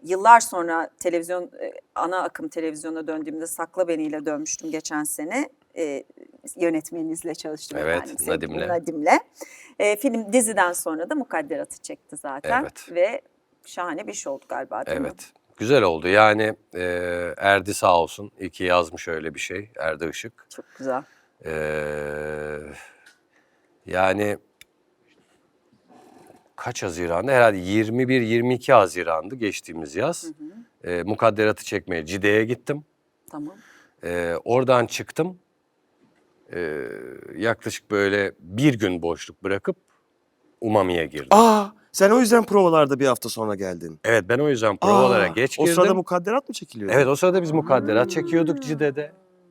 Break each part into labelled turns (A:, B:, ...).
A: yıllar sonra televizyon ana akım televizyona döndüğümde Sakla Beni ile dönmüştüm geçen sene. Yönetmeninizle çalıştım
B: Evet,
A: efendim. Sevgili
B: Nadim'le.
A: Nadim'le. Film diziden sonra da Mukadderat'ı çekti zaten.
B: Evet.
A: Ve şahane bir şey oldu galiba değil mi?
B: Evet. Güzel oldu. Yani Erdi sağ olsun. İyi ki yazmış öyle bir şey. Erdi Işık.
A: Çok güzel.
B: Yani kaç Haziran'da? Herhalde 21-22 Haziran'dı geçtiğimiz yaz. Mukadderat'ı çekmeye Cide'ye gittim.
A: Tamam.
B: Oradan çıktım. Yaklaşık böyle bir gün boşluk bırakıp Umami'ye girdim.
C: Sen o yüzden provalarda bir hafta sonra geldin.
B: Evet, ben o yüzden provalara geç
C: O
B: girdim.
C: sırada mukadderat mı çekiliyordu?
B: Evet, o sırada biz Mukadderat çekiyorduk Cide'de.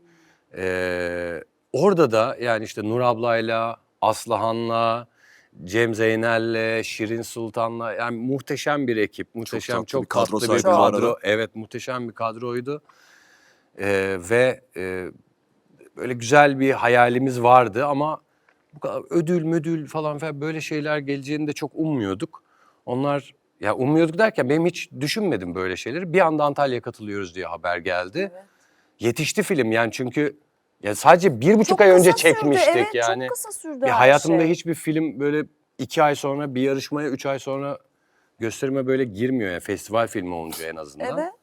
B: Orada da yani işte Nur ablayla, Aslıhan'la, Cem Zeynel'le, Şirin Sultan'la yani muhteşem bir ekip. Muhteşem,
C: tatlı
B: çok
C: bir kadro
B: tatlı bir
C: sahibi bu arada.
B: kadro. Evet, muhteşem bir kadroydu. Ve böyle güzel bir hayalimiz vardı ama bu kadar ödül müdül falan böyle şeyler geleceğini de çok ummuyorduk. Onlar ya ummuyorduk derken benim hiç düşünmedim böyle şeyleri. Bir anda Antalya'ya katılıyoruz diye haber geldi.
A: Evet.
B: Yetişti film yani çünkü ya sadece 1,5
A: Çok
B: ay önce
A: kısa sürdü,
B: çekmiştik
A: evet,
B: yani.
A: çok kısa sürdü
B: Bir
A: her
B: hayatımda
A: şey.
B: hiçbir film böyle 2 ay sonra bir yarışmaya 3 ay sonra gösterime böyle girmiyor yani festival filmi olunca en azından.
A: Evet.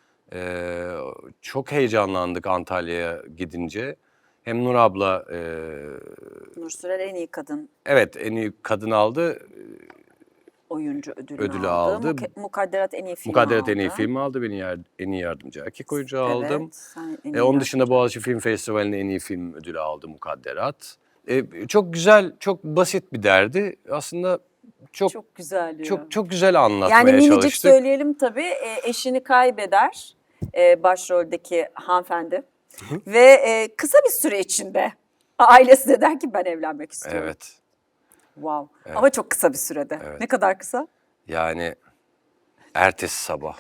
B: Çok heyecanlandık Antalya'ya gidince. Hem Nur abla
A: Nur Sürer en iyi kadın
B: evet en iyi kadın aldı.
A: oyuncu ödülünü
B: Ödülü
A: aldı.
B: aldı.
A: Mukadderat en iyi film
B: Mukadderat
A: aldı.
B: en iyi film aldı. Beni en iyi yardımcı erkek oyuncu aldım.
A: Evet. Sen en iyi
B: Onun dışında
A: yardımcı.
B: Boğaziçi Film Festivali'nin en iyi film ödülü aldı Mukadderat. Çok güzel, çok basit bir derdi. Aslında
A: Çok güzel diyor.
B: çok güzel anlatmaya
A: Yani minicik
B: çalıştık.
A: söyleyelim tabii. Eşini kaybeder başroldeki hanımefendi. Ve kısa bir süre içinde ailesi de der ki ben evlenmek istiyorum.
B: Evet.
A: Wow. Ama çok kısa bir sürede.
B: Evet.
A: Ne kadar kısa?
B: Yani ertesi sabah.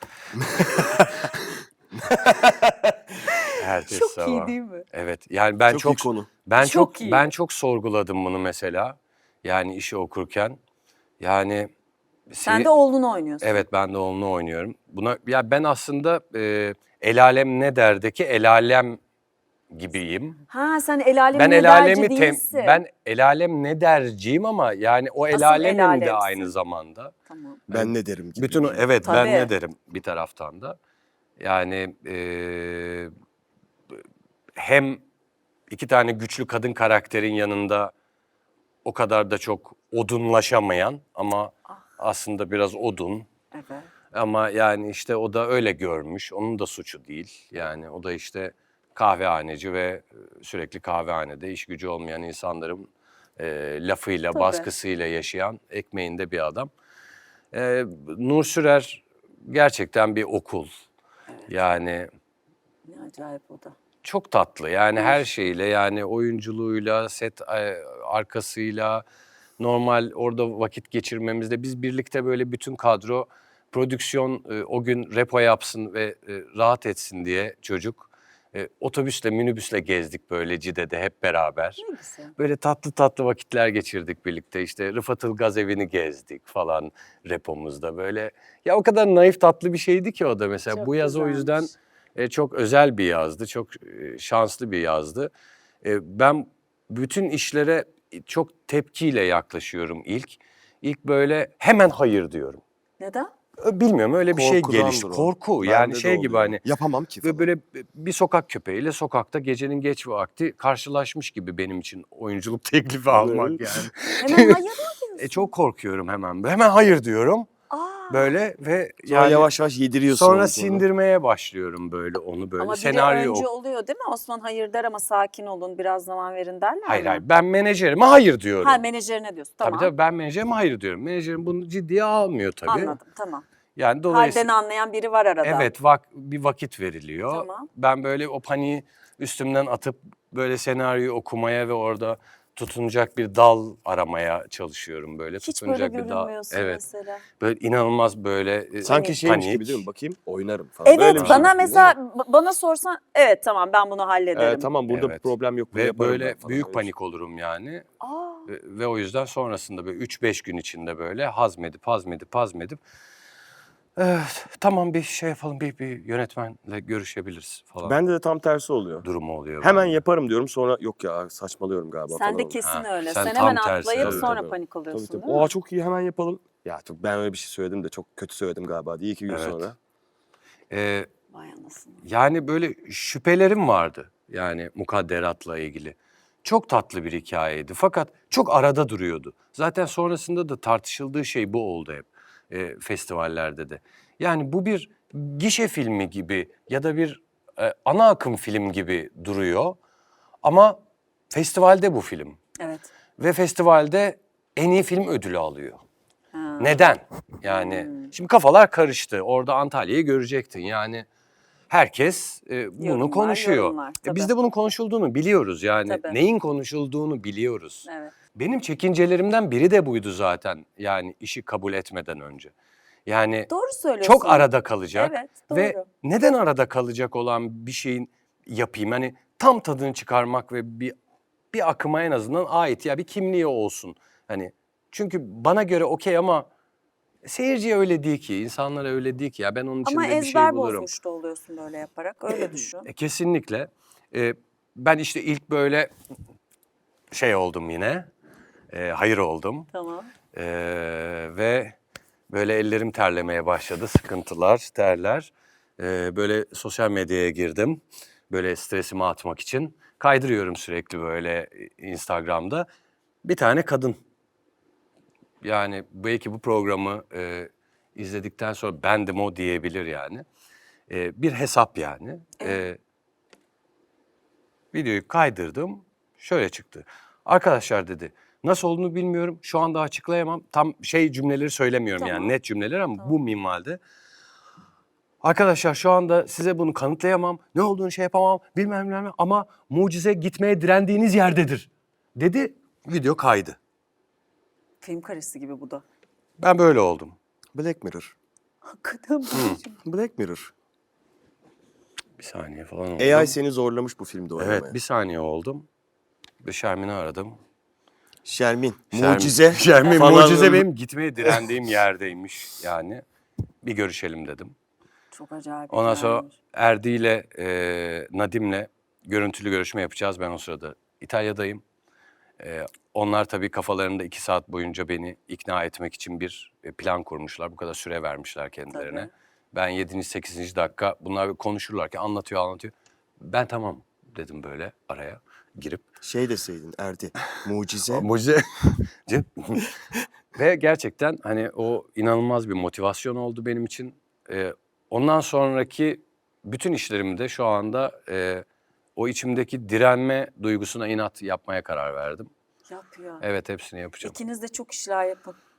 B: Ertesi
A: Çok
B: sabah.
A: iyi değil mi?
B: Evet. Yani ben
C: Çok iyi konu.
A: Çok iyi.
B: ben çok sorguladım bunu mesela. Yani işi okurken. Yani
A: Sen de oğlunu oynuyorsun.
B: evet ben de oğlunu oynuyorum. Buna ya ben aslında El Alem Ne Der'deki El Alem gibiyim.
A: Ha sen el alem
B: Ben
A: ne
B: El
A: derci
B: Alem'i
A: değilsin.
B: ben El Alem Ne Der'ciyim ama yani o
A: Asıl
B: El
A: El
B: Alem'im de
A: Alem'sin.
B: aynı zamanda.
A: Tamam.
C: Ben ne derim gibi.
B: Bütün evet ben
A: Tabii.
B: ne derim bir taraftan da. Yani hem iki tane güçlü kadın karakterin yanında o kadar da çok odunlaşamayan ama aslında biraz odun.
A: Evet.
B: Ama yani işte o da öyle görmüş. Onun da suçu değil. Yani o da işte kahvehaneci ve sürekli kahvehanede iş gücü olmayan insanların lafıyla,
A: Tabii.
B: baskısıyla yaşayan ekmeğinde bir adam. Nur Sürer gerçekten bir okul. Yani
A: Ne acayip o da.
B: çok tatlı yani her şeyle yani oyunculuğuyla, set arkasıyla, normal orada vakit geçirmemizde biz birlikte böyle bütün kadro prodüksiyon o gün repo yapsın ve rahat etsin diye çocuk otobüsle minibüsle gezdik böyle Cide'de hep beraber.
A: Ne güzel.
B: Böyle tatlı tatlı vakitler geçirdik birlikte işte Rıfat Ilgaz evini gezdik falan repomuzda böyle. Ya o kadar naif tatlı bir şeydi ki o da mesela
A: Çok
B: bu yaz o yüzden
A: güzelmiş.
B: çok özel bir yazdı, çok şanslı bir yazdı. Ben bütün işlere çok tepkiyle yaklaşıyorum ilk. İlk böyle hemen hayır diyorum.
A: Neden?
B: Bilmiyorum öyle bir şey
C: Korkudandır
B: gelişti.
C: o.
B: Korku
C: Bende
B: yani
C: de
B: şey gibi
C: oluyor.
B: hani
C: Yapamam ki falan.
B: böyle bir sokak köpeğiyle sokakta gecenin geç vakti karşılaşmış gibi benim için oyunculuk teklifi almak yani.
A: Hemen hayır mı diyorsun?
B: Çok korkuyorum hemen. Hemen hayır diyorum.
A: Aa.
B: Böyle ve
C: Sonra
B: yani
C: yavaş yavaş yediriyorsun
B: sonra
C: onu
B: sindirmeye başlıyorum böyle onu böyle
A: Ama biri
B: senaryo
A: önce oluyor değil mi? Osman hayır der ama sakin olun biraz zaman verin derler
B: Hayır
A: mi?
B: hayır ben menajerime hayır diyorum.
A: Ha menajerine diyorsun tamam.
B: Tabii ben menajerime hayır diyorum. Menajerim bunu ciddiye almıyor tabii.
A: Anladım tamam.
B: Yani dolayısıyla
A: Halden anlayan biri var arada.
B: evet bir vakit veriliyor.
A: Tamam.
B: Ben böyle o paniği üstümden atıp böyle senaryoyu okumaya ve orada tutunacak bir dal aramaya çalışıyorum böyle.
A: Hiç böyle
B: tutunacak bir dal.
A: görünmüyorsun
B: Evet.
A: mesela.
B: Böyle inanılmaz böyle
C: Sanki şeymiş
B: panik.
C: gibi değil mi? Bakayım oynarım falan.
A: Evet
C: Böyle bir
A: bana
C: şeymiş gibi
A: mesela
C: değil mi?
A: bana sorsan evet tamam ben bunu hallederim.
C: Tamam burada
B: Evet.
C: problem yok. Bunu
B: Ve
C: yaparım
B: böyle
C: ben falan.
B: büyük
C: Öyle
B: panik olurum yani.
A: Aa.
B: Ve o yüzden sonrasında böyle 3-5 gün içinde böyle hazmedip Evet, tamam bir şey yapalım, bir yönetmenle görüşebiliriz falan
C: Bende de tam tersi oluyor.
B: durumu oluyor.
C: Hemen
B: bende.
C: yaparım diyorum, sonra yok ya saçmalıyorum galiba falan
A: Sen de
C: oluyor.
A: kesin
B: Ha,
A: öyle.
B: sen
A: Sen
B: tam
A: hemen
B: tersi,
A: atlayıp
B: evet.
A: sonra
C: Tabii.
A: panik oluyorsun
C: Tabii.
A: değil mi?
C: Aa, çok iyi, hemen yapalım. Ya ben öyle bir şey söyledim de çok kötü söyledim galiba diye 2 gün
B: Evet.
C: sonra.
A: Vay anasını.
B: Yani böyle şüphelerim vardı yani mukadderatla ilgili. Çok tatlı bir hikayeydi fakat çok arada duruyordu. Zaten sonrasında da tartışıldığı şey bu oldu hep festivallerde de. Yani bu bir gişe filmi gibi ya da bir ana akım film gibi duruyor ama festivalde bu film.
A: Evet.
B: Ve festivalde en iyi film ödülü alıyor.
A: Ha.
B: Neden? Yani şimdi kafalar karıştı. Orada Antalya'yı görecektin. Yani herkes bunu
A: Yorumlar,
B: konuşuyor.
A: yorumlar, tabii.
B: Biz de bunun konuşulduğunu biliyoruz. Yani
A: Tabii.
B: neyin konuşulduğunu biliyoruz.
A: Evet.
B: Benim çekincelerimden biri de buydu zaten. Yani işi kabul etmeden önce. Yani
A: Doğru söylüyorsun.
B: çok arada kalacak.
A: Evet,
B: Ve
A: doğru.
B: neden arada kalacak olan bir şeyin yapayım? Hani tam tadını çıkarmak ve bir akıma en azından ait ya bir kimliği olsun. Hani çünkü bana göre okey ama seyirciye öyle değil ki, insanlara öyle değil ki ya ben onun
A: Ama
B: içinde bir şey
A: ezber
B: bulurum.
A: bozmuş da oluyorsun böyle yaparak. Öyle düşün.
B: Kesinlikle. Ben işte ilk böyle şey oldum yine. Hayır oldum.
A: Tamam.
B: Ve böyle ellerim terlemeye başladı. Sıkıntılar, terler. Böyle sosyal medyaya girdim. Böyle stresimi atmak için. Kaydırıyorum sürekli böyle Instagram'da. Bir tane kadın. Yani belki bu programı izledikten sonra bendim o diyebilir yani. Bir hesap yani. Videoyu kaydırdım. Şöyle çıktı. Arkadaşlar dedi. Nasıl olduğunu bilmiyorum. Şu anda açıklayamam. Tam cümleleri söylemiyorum
A: Tamam.
B: yani net cümleleri ama bu minvalde. Arkadaşlar şu anda size bunu kanıtlayamam. Ne olduğunu şey yapamam. Bilmem ama mucize gitmeye direndiğiniz yerdedir. Dedi. Video kaydı.
A: Film karesi gibi bu da.
B: Ben böyle oldum.
C: Black Mirror.
A: Hakikaten bu.
C: Black Mirror.
B: Bir saniye falan oldu.
C: AI seni zorlamış bu filmde oynamaya.
B: Evet bir saniye oldum. Bir Şermin'i aradım.
C: Şermin. Mucize.
B: Şermin
C: falan.
B: mucize benim gitmeye direndiğim yerdeymiş yani. Bir görüşelim dedim.
A: Çok acayip.
B: Ondan sonra
A: hikayemiş.
B: Erdi ile Nadim'le görüntülü görüşme yapacağız. Ben o sırada İtalya'dayım. Onlar tabii kafalarında 2 saat boyunca beni ikna etmek için bir plan kurmuşlar. Bu kadar süre vermişler kendilerine.
A: Tabii.
B: Ben 7. 8. dakika bunlar konuşurlarken anlatıyor. Ben tamam dedim böyle araya girip.
C: Şey deseydin Erdi. Mucize.
B: Mucize. Ve gerçekten hani o inanılmaz bir motivasyon oldu benim için. Ondan sonraki bütün işlerimde şu anda o içimdeki direnme duygusuna inat yapmaya karar verdim.
A: Yap ya.
B: Evet hepsini yapacağım.
A: İkiniz de çok işler yapın.